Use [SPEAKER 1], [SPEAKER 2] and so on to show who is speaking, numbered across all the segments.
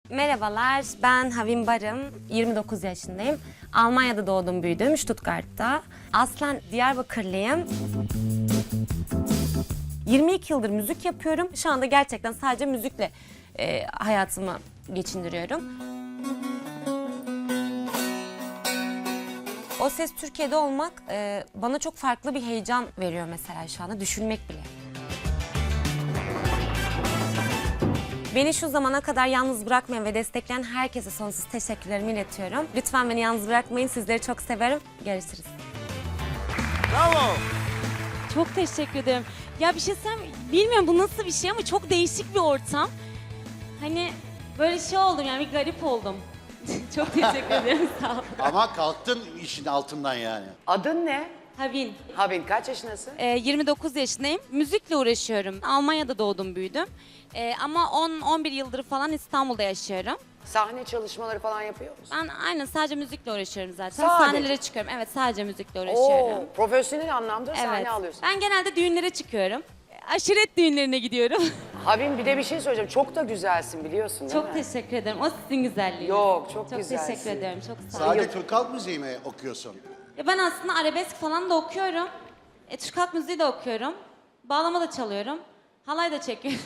[SPEAKER 1] Merhabalar, ben Havin Barım, 29 yaşındayım. Almanya'da doğdum, büyüdüm, Stuttgart'ta. Aslen Diyarbakırlıyım. 22 yıldır müzik yapıyorum. Şu anda gerçekten sadece müzikle hayatımı geçindiriyorum. O Ses Türkiye'de olmak bana çok farklı bir heyecan veriyor mesela şu anda, düşünmek bile. Beni şu zamana kadar yalnız bırakmayan ve destekleyen herkese sonsuz teşekkürlerimi iletiyorum. Lütfen beni yalnız bırakmayın, sizleri çok severim. Görüşürüz.
[SPEAKER 2] Bravo.
[SPEAKER 3] Çok teşekkür ederim. Ya bir şey söyleyeyim, bilmiyorum bu nasıl bir şey ama çok değişik bir ortam. Hani böyle şey oldum yani, bir garip oldum. Çok teşekkür ederim, sağ olun.
[SPEAKER 2] Ama kalktın işin altından yani.
[SPEAKER 4] Adın ne?
[SPEAKER 3] Havin.
[SPEAKER 4] Havin, kaç yaşındasın?
[SPEAKER 3] 29 yaşındayım. Müzikle uğraşıyorum. Almanya'da doğdum, büyüdüm. Ama 10-11 yıldır falan İstanbul'da yaşıyorum.
[SPEAKER 4] Sahne çalışmaları falan yapıyor musun?
[SPEAKER 3] Ben aynen sadece müzikle uğraşıyorum zaten.
[SPEAKER 4] Sadece?
[SPEAKER 3] Sahnelere çıkıyorum. Evet, sadece müzikle uğraşıyorum.
[SPEAKER 4] Oo, profesyonel anlamda
[SPEAKER 3] Evet.
[SPEAKER 4] sahne alıyorsun.
[SPEAKER 3] Ben genelde düğünlere çıkıyorum. Aşiret düğünlerine gidiyorum.
[SPEAKER 4] Havin, bir de bir şey söyleyeceğim. Çok da güzelsin biliyorsun değil
[SPEAKER 3] Çok
[SPEAKER 4] mi?
[SPEAKER 3] teşekkür ederim. O sizin güzelliğiniz.
[SPEAKER 4] Yok, çok
[SPEAKER 3] Çok
[SPEAKER 4] güzelsin.
[SPEAKER 3] teşekkür ederim. Çok sağ olun.
[SPEAKER 2] Sadece Türk halk müziği mi okuyorsun?
[SPEAKER 3] Ya ben aslında arabesk falan da okuyorum. Türk halk müziği de okuyorum. Bağlama da çalıyorum. Halay da çekiyorum.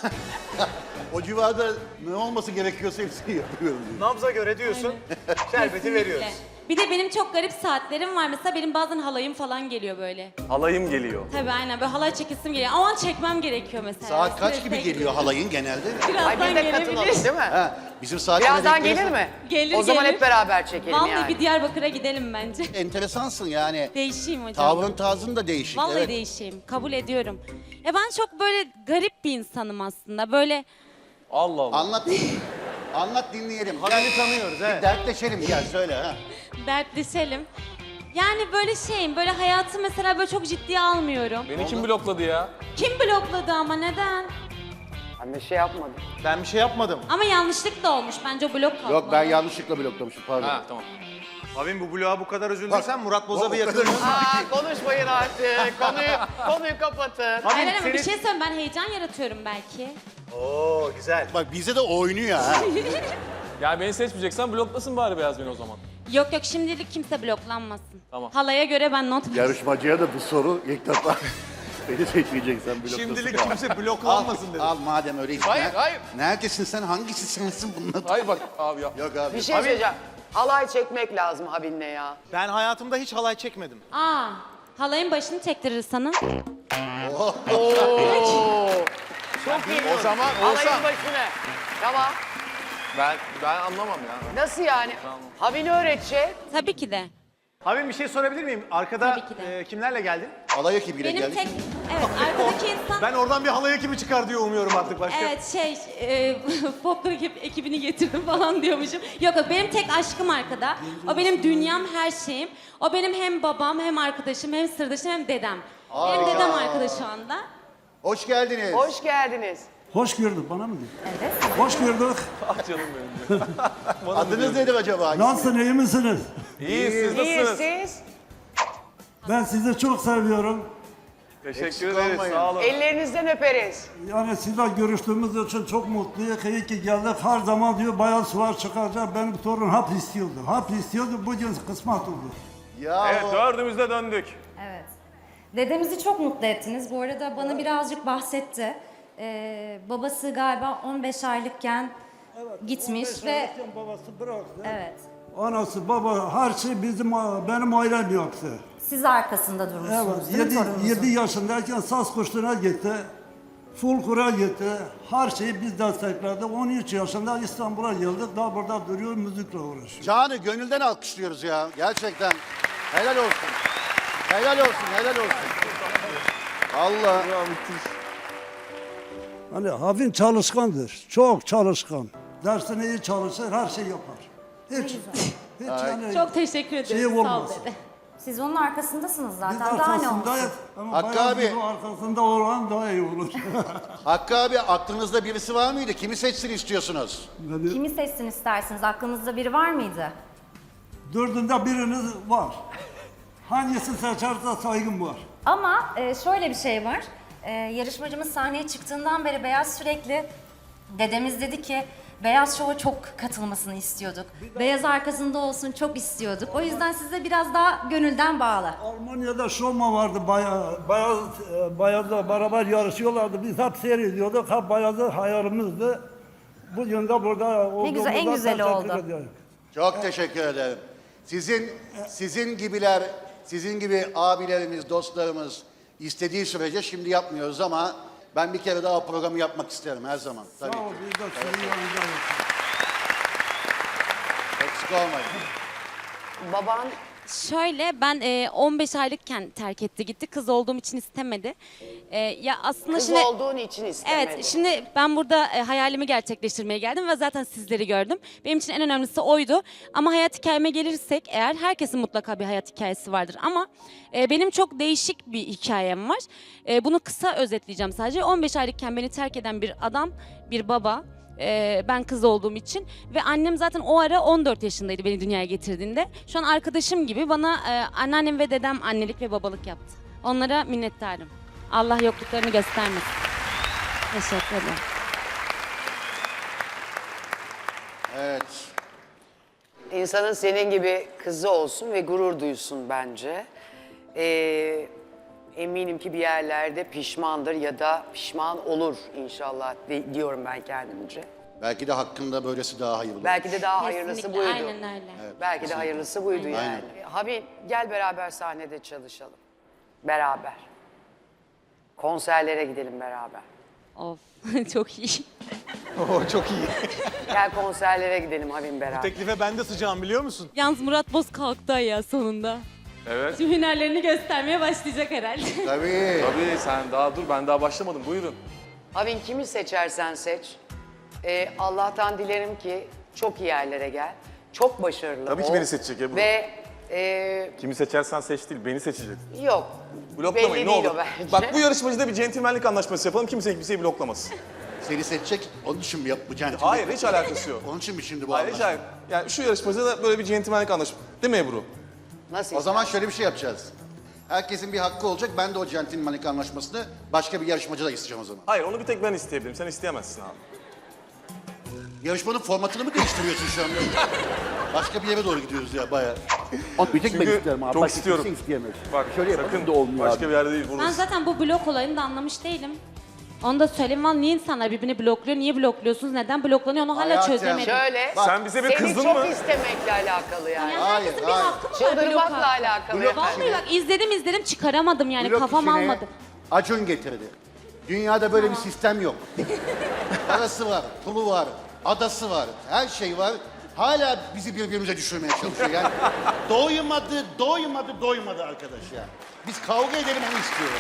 [SPEAKER 2] O civarda ne olması gerekiyorsa hepsini yapıyorum diyor.
[SPEAKER 5] Nabza göre diyorsun, şerbeti veriyoruz.
[SPEAKER 3] Bir de benim çok garip saatlerim var. Mesela benim bazen halayım falan geliyor böyle.
[SPEAKER 5] Halayım geliyor.
[SPEAKER 3] Tabii aynen, böyle halay çekesim geliyor. O an çekmem gerekiyor mesela.
[SPEAKER 2] Saat kaç
[SPEAKER 3] Strese
[SPEAKER 2] gibi geliyor halayın genelde?
[SPEAKER 3] Birazdan
[SPEAKER 4] Ay biz de katılalım
[SPEAKER 3] gelebilir.
[SPEAKER 4] değil mi?
[SPEAKER 2] Ha, bizim saat
[SPEAKER 4] Birazdan gelir mi?
[SPEAKER 3] Gelir,
[SPEAKER 4] O zaman
[SPEAKER 3] gelir.
[SPEAKER 4] hep beraber çekelim
[SPEAKER 3] Vallahi
[SPEAKER 4] yani.
[SPEAKER 3] bir Diyarbakır'a gidelim bence.
[SPEAKER 2] Enteresansın yani.
[SPEAKER 3] Değişeyim hocam.
[SPEAKER 2] Tavrın tarzın da değişik.
[SPEAKER 3] Vallahi
[SPEAKER 2] evet.
[SPEAKER 3] değişeyim. Kabul ediyorum. Ya ben çok böyle garip bir insanım aslında. Böyle
[SPEAKER 5] Allah Allah.
[SPEAKER 2] Anlat. Anlat dinleyelim.
[SPEAKER 5] Halayı tanıyoruz
[SPEAKER 2] Bir
[SPEAKER 5] evet.
[SPEAKER 2] dertleşelim gel söyle ha.
[SPEAKER 3] dertleşelim. Yani böyle şeyim, böyle hayatı mesela böyle çok ciddiye almıyorum.
[SPEAKER 6] Beni kim blokladı ya?
[SPEAKER 3] Kim blokladı ama neden?
[SPEAKER 4] Ben bir şey yapmadım.
[SPEAKER 5] Ben bir şey yapmadım.
[SPEAKER 3] Ama yanlışlıkla olmuş. Bence o blok kaldı.
[SPEAKER 2] Yok ben yanlışlıkla bloklamışım pardon.
[SPEAKER 6] Ha tamam.
[SPEAKER 5] Abim bu bloğa bu kadar üzüldüysen Murat Boz'a bir
[SPEAKER 2] o kadar
[SPEAKER 5] yakın.
[SPEAKER 4] Aa, konuşmayın artık. konuyu kapatın.
[SPEAKER 3] Hayır ama bir
[SPEAKER 5] senin-
[SPEAKER 3] şey söyleyeyim, ben heyecan yaratıyorum belki.
[SPEAKER 5] Oo güzel.
[SPEAKER 2] Bak bize de oynuyor ha.
[SPEAKER 6] Yani beni seçmeyeceksen bloklasın bari Beyaz beni o zaman.
[SPEAKER 3] Yok yok, şimdilik kimse bloklanmasın.
[SPEAKER 6] Tamam.
[SPEAKER 3] Halaya göre ben not
[SPEAKER 7] Yarışmacıya da bu soru ilk defa beni seçmeyeceksen bloklasın.
[SPEAKER 5] Şimdilik kimse
[SPEAKER 2] al,
[SPEAKER 5] bloklanmasın dedi.
[SPEAKER 2] al madem öyle işte.
[SPEAKER 6] Hayır, hayır.
[SPEAKER 2] Neredesin sen? Hangisi sensin bununla?
[SPEAKER 6] Hayır bak abi ya.
[SPEAKER 2] Yok abi.
[SPEAKER 4] Bir şey söyleyeceğim. Halay çekmek lazım Havin'le ya.
[SPEAKER 5] Ben hayatımda hiç halay çekmedim.
[SPEAKER 3] Aa, halayın başını çektirir sana.
[SPEAKER 4] Çok iyi.
[SPEAKER 6] O zaman
[SPEAKER 4] Halayın
[SPEAKER 6] olsa
[SPEAKER 4] başını. Tamam.
[SPEAKER 6] ben anlamam ya.
[SPEAKER 4] Nasıl yani? Havin'i öğretecek.
[SPEAKER 3] Tabii ki de.
[SPEAKER 5] Abim bir şey sorabilir miyim? Arkada
[SPEAKER 3] Tabii ki de.
[SPEAKER 5] kimlerle geldin?
[SPEAKER 2] Alay ekibiyle
[SPEAKER 3] Benim
[SPEAKER 2] geldik.
[SPEAKER 3] tek, evet arkadaki insan...
[SPEAKER 5] Ben oradan bir halay ekibi çıkar diye umuyorum artık başka.
[SPEAKER 3] Evet folklor ekibini getirdim falan diyormuşum. Yok yok, benim tek aşkım arkada. O benim dünyam, her şeyim. O benim hem babam, hem arkadaşım, hem sırdaşım, hem dedem. Benim dedem arkada şu anda.
[SPEAKER 2] Hoş geldiniz.
[SPEAKER 4] Hoş geldiniz.
[SPEAKER 8] Hoş gördük, bana mı diyor? Evet. Hoş gördük.
[SPEAKER 6] Ah canım benim.
[SPEAKER 2] Adınız nedir acaba?
[SPEAKER 8] Nasılsın, iyi misiniz?
[SPEAKER 6] İyi siz
[SPEAKER 4] İyi
[SPEAKER 6] nasılsınız?
[SPEAKER 4] siz.
[SPEAKER 8] Ben sizi çok seviyorum.
[SPEAKER 6] Teşekkür
[SPEAKER 2] Eksik
[SPEAKER 6] ederiz
[SPEAKER 2] olmayın.
[SPEAKER 6] sağ olun.
[SPEAKER 4] Ellerinizden öperiz.
[SPEAKER 8] Yani sizle görüştüğümüz için çok mutluyum. İyi ki geldik. Her zaman diyor bayağı sular çıkacak. Benim torun hap istiyordu. Hap istiyordu, bugün kısmet oldu.
[SPEAKER 2] Ya
[SPEAKER 6] Evet dördümüz de döndük.
[SPEAKER 9] Evet. Dedemizi çok mutlu ettiniz. Bu arada bana birazcık bahsetti. Babası galiba 15 aylıkken gitmiş ve
[SPEAKER 8] Babası bıraktı.
[SPEAKER 9] evet.
[SPEAKER 8] Anası, baba, her şey benim ailem yaptı.
[SPEAKER 9] Siz arkasında durmuşsunuz.
[SPEAKER 8] Evet,
[SPEAKER 9] değil mi torununuzun?
[SPEAKER 8] 7 yaşındayken saz kursuna gitti. Fulkur'a gitti. Her şeyi biz destekledik. 13 yaşında İstanbul'a geldik. Daha burada duruyor, müzikle uğraşıyor.
[SPEAKER 2] Canı gönülden alkışlıyoruz ya. Gerçekten. Helal olsun. Helal olsun, helal olsun. Allah.
[SPEAKER 8] Hani Havin çalışkandır. Çok çalışkan. Dersine iyi çalışır, her şey yapar. Hiç yani
[SPEAKER 3] Çok teşekkür ederim.
[SPEAKER 8] Şey
[SPEAKER 3] Sağ ol
[SPEAKER 8] olmaz.
[SPEAKER 3] dede.
[SPEAKER 9] Siz onun arkasındasınız
[SPEAKER 8] biz
[SPEAKER 9] zaten. Daha ne olsun?
[SPEAKER 8] arkasındayız. Ama
[SPEAKER 2] Hakkı
[SPEAKER 8] bayağı
[SPEAKER 2] abi.
[SPEAKER 8] bizim arkasında olan daha iyi olur.
[SPEAKER 2] Hakkı abi aklınızda birisi var mıydı? Kimi seçsin istiyorsunuz?
[SPEAKER 8] Yani
[SPEAKER 9] Kimi seçsin istersiniz? Aklınızda biri var mıydı?
[SPEAKER 8] dördünde biriniz var. Hangisi seçerse saygım var.
[SPEAKER 9] Ama şöyle bir şey var. Yarışmacımız sahneye çıktığından beri Beyaz sürekli dedemiz dedi ki Beyaz Show'a çok katılmasını istiyorduk. Beyaz arkasında olsun çok istiyorduk. O yüzden size biraz daha gönülden bağlı.
[SPEAKER 8] Almanya'da Şoma vardı, Bayaz'la beraber yarışıyorlardı. Biz hep seyrediyorduk, hep Bayaz'ı hayalimizdi. Bugün de burada olduğumuzda
[SPEAKER 9] güzel, en güzeli
[SPEAKER 8] teşekkür
[SPEAKER 9] oldu.
[SPEAKER 8] ediyorum.
[SPEAKER 2] Çok teşekkür ederim. Sizin gibi abilerimiz, dostlarımız istediği sürece şimdi yapmıyoruz ama ben bir kere daha o programı yapmak isterim her zaman. Tabii
[SPEAKER 8] Sağ ol,
[SPEAKER 2] ki.
[SPEAKER 8] biz de sizin yanınızdayız.
[SPEAKER 2] Eksik olmayın.
[SPEAKER 4] Baban
[SPEAKER 3] Şöyle ben 15 aylıkken terk etti gitti. Kız olduğum için istemedi. Ya aslında
[SPEAKER 4] kız
[SPEAKER 3] şimdi
[SPEAKER 4] olduğun için istemedi.
[SPEAKER 3] evet şimdi ben burada hayalimi gerçekleştirmeye geldim ve zaten sizleri gördüm. Benim için en önemlisi oydu. Ama hayat hikayeme gelirsek eğer herkesin mutlaka bir hayat hikayesi vardır. Ama benim çok değişik bir hikayem var. Bunu kısa özetleyeceğim sadece. 15 aylıkken beni terk eden bir adam, bir baba. Ben kız olduğum için ve annem zaten o ara 14 yaşındaydı beni dünyaya getirdiğinde. Şu an arkadaşım gibi bana anneannem ve dedem annelik ve babalık yaptı. Onlara minnettarım. Allah yokluklarını göstermesin. Teşekkür ederim.
[SPEAKER 2] Evet.
[SPEAKER 4] İnsanın senin gibi kızı olsun ve gurur duysun bence. Eminim ki bir yerlerde pişmandır ya da pişman olur inşallah diyorum ben kendimce.
[SPEAKER 2] Belki de hakkında böylesi daha hayırlı.
[SPEAKER 4] Belki de daha hayırlısı
[SPEAKER 3] Kesinlikle,
[SPEAKER 4] buydu.
[SPEAKER 3] aynen öyle.
[SPEAKER 4] Belki de hayırlısı buydu yani.
[SPEAKER 2] Aynen.
[SPEAKER 4] Habib gel beraber sahnede çalışalım. Beraber. Konserlere gidelim beraber.
[SPEAKER 3] Of çok iyi.
[SPEAKER 5] Oo, çok iyi.
[SPEAKER 4] Gel konserlere gidelim Habib beraber.
[SPEAKER 5] Teklife ben de sıcağım biliyor musun?
[SPEAKER 3] Yalnız Murat Boz kalktı ya sonunda.
[SPEAKER 6] Evet.
[SPEAKER 3] Tüm hünerlerini göstermeye başlayacak herhalde.
[SPEAKER 2] Tabii.
[SPEAKER 6] Tabii sen daha dur, ben daha başlamadım. Buyurun.
[SPEAKER 4] Habib kimi seçersen seç. Allah'tan dilerim ki çok iyi yerlere gel. Çok başarılı
[SPEAKER 6] Tabii ki
[SPEAKER 4] ol.
[SPEAKER 6] beni seçecek Ebru.
[SPEAKER 4] Ve
[SPEAKER 6] Kimi seçersen seç değil, beni seçecek.
[SPEAKER 4] yok.
[SPEAKER 6] Bloklamayın
[SPEAKER 4] belli
[SPEAKER 6] ne
[SPEAKER 4] değil
[SPEAKER 6] olur.
[SPEAKER 4] o bence.
[SPEAKER 6] Bak bu yarışmacıda bir centilmenlik anlaşması yapalım. Kimse kimseyi bloklamasın.
[SPEAKER 2] Seni seçecek. Onun için mi yapacaksın?
[SPEAKER 6] Hayır, hiç alakası yok.
[SPEAKER 2] Onun için mi şimdi bu
[SPEAKER 6] Hayır, hiç
[SPEAKER 2] anlaşma?
[SPEAKER 6] alakası. Yani şu yarışmacıda da böyle bir centilmenlik anlaşması. Değil mi Ebru?
[SPEAKER 4] Nasıl
[SPEAKER 2] O zaman şöyle bir şey yapacağız. Herkesin bir hakkı olacak. Ben de o centilmenlik anlaşmasını başka bir yarışmacıda isteyeceğim o zaman.
[SPEAKER 6] Hayır, onu bir tek ben isteyebilirim. Sen isteyemezsin abi.
[SPEAKER 2] Yarışmanın formatını mı değiştiriyorsun şu anda? Başka bir yere doğru gidiyoruz ya bayağı.
[SPEAKER 7] Bir tek ben
[SPEAKER 6] Çünkü
[SPEAKER 7] isterim abi.
[SPEAKER 6] çok
[SPEAKER 7] Başka
[SPEAKER 6] istiyorum.
[SPEAKER 7] kimse isteyemez.
[SPEAKER 6] Bak
[SPEAKER 7] Şöyle
[SPEAKER 6] sakın
[SPEAKER 7] yapalım da olmuyor
[SPEAKER 6] başka
[SPEAKER 7] abi.
[SPEAKER 6] bir yerde değil
[SPEAKER 3] Ben
[SPEAKER 6] burası.
[SPEAKER 3] zaten bu blok olayını da anlamış değilim. Onu da söyleyeyim. Vallahi niye insanlar birbirini blokluyor? Niye blokluyorsunuz? Neden bloklanıyor? Onu hala
[SPEAKER 2] Hayatım.
[SPEAKER 3] çözemedim.
[SPEAKER 4] Şöyle.
[SPEAKER 6] Sen bize bir
[SPEAKER 4] seni
[SPEAKER 6] kızdın
[SPEAKER 4] çok
[SPEAKER 6] mı?
[SPEAKER 4] istemekle alakalı yani.
[SPEAKER 3] Yani
[SPEAKER 2] Hayır,
[SPEAKER 3] herkesin bir
[SPEAKER 2] hayır.
[SPEAKER 3] hakkı mı var blok
[SPEAKER 4] Çıldırmakla
[SPEAKER 3] hakkı?
[SPEAKER 4] alakalı.
[SPEAKER 2] Blok
[SPEAKER 4] efendim.
[SPEAKER 3] Vallahi bak izledim çıkaramadım yani
[SPEAKER 2] Blok
[SPEAKER 3] kafam
[SPEAKER 2] işini
[SPEAKER 3] almadı.
[SPEAKER 2] Acun getirdi. Dünyada böyle bir sistem yok. Parası var, pulu var, adası var, her şey var. Hala bizi birbirimize düşürmeye çalışıyor yani. Doymadı arkadaş ya. Biz kavga edelim onu istiyoruz.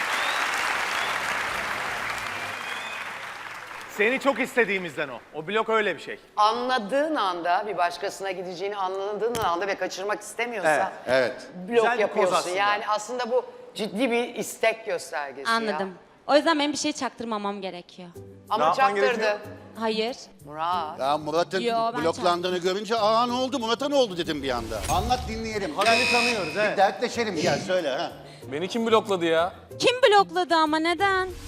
[SPEAKER 5] Seni çok istediğimizden o. O blok öyle bir şey.
[SPEAKER 4] Anladığın anda bir başkasına gideceğini anladığın anda ve kaçırmak istemiyorsa
[SPEAKER 2] Evet.
[SPEAKER 4] blok
[SPEAKER 5] Güzel bir koz
[SPEAKER 4] yapıyorsun.
[SPEAKER 5] aslında.
[SPEAKER 4] Yani aslında bu ciddi bir istek göstergesi
[SPEAKER 3] Anladım.
[SPEAKER 4] ya.
[SPEAKER 3] O yüzden benim bir şey çaktırmamam gerekiyor.
[SPEAKER 4] Ama
[SPEAKER 6] Ne yapman
[SPEAKER 4] çaktırdı.
[SPEAKER 6] gerekiyor?
[SPEAKER 3] Hayır.
[SPEAKER 4] Murat.
[SPEAKER 2] Ya Murat'ın
[SPEAKER 3] Yo, ben
[SPEAKER 2] bloklandığını görünce ne oldu Murat'a ne oldu dedim bir anda. Anlat dinleyelim.
[SPEAKER 5] Habib'i tanıyoruz
[SPEAKER 2] Bir
[SPEAKER 5] evet.
[SPEAKER 2] dertleşelim gel söyle ha.
[SPEAKER 6] Beni kim blokladı ya?
[SPEAKER 3] Kim blokladı ama neden?